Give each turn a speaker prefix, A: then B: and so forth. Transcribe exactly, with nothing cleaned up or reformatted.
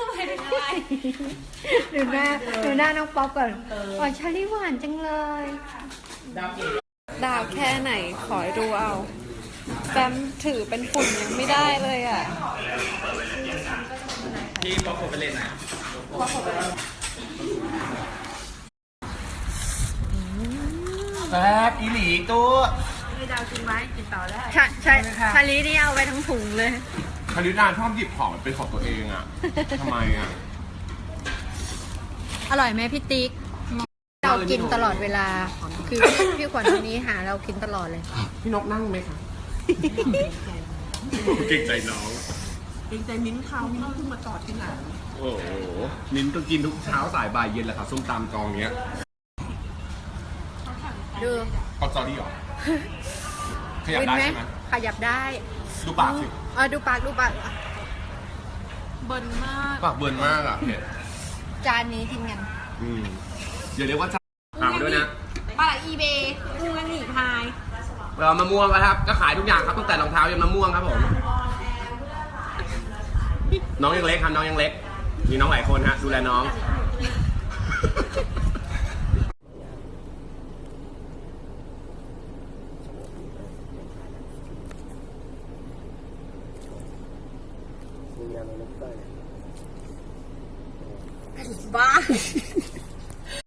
A: ดูหน้าดูหน้าน้องป๊อปก่อนอ๋อชาลีหวานจังเลยดาวแค่ไหนขอดูเอาแบมถือเป็นฝุ่นยังไม่ได้เลยอ่ะ
B: พี่ป๊อปผมไปเล่นนะแซ่บอีหลีตัว
A: ให้ดาวกินไหมกินต่อได้ใช่ใช่ชาลีนี่เอาไปทั้งถุงเลย
B: คารินาชอบหยิบของเป็นของตัวเองอ่ะทำไมอ่ะ
A: อร่อยไหมพี่ติ๊กเรากินตลอดเวลาคือพี่ขวัญคนนี้หาเรากินตลอดเลย
B: พี่นกนั่งไหมคะเก่งใจน้อง
C: เก่งใจมิ้นเขามิ้นเพิ่งมาจอดที่ไหน
B: โอ้โหมิ้นก็กินทุกเช้าสายบ่ายเย็นแหละค่ะส้มตำกองเนี้ย
A: ดู
B: เอาจอรี่หรอขยับได้ใช่ไหม
A: ขยับได้
B: ดูปากสิ
A: เออดูปากดูปาก
C: เบิร์นมาก
B: ปากเบิร์นมากอ่ะเผ็ด
A: จานนี้ทิ้งกัน
B: อืมอย่าเรียกว่าจานถามด้วยนะ
C: ปลาอีเบย์กุ้งและหนีพาย
B: เรามะม่วงครับก็ขายทุกอย่างครับตั้งแต่รองเท้ายันมะม่วงครับผมน้องยังเล็กครับน้องยังเล็กมีน้องหลายคนฮะดูแลน้อง
A: บ้า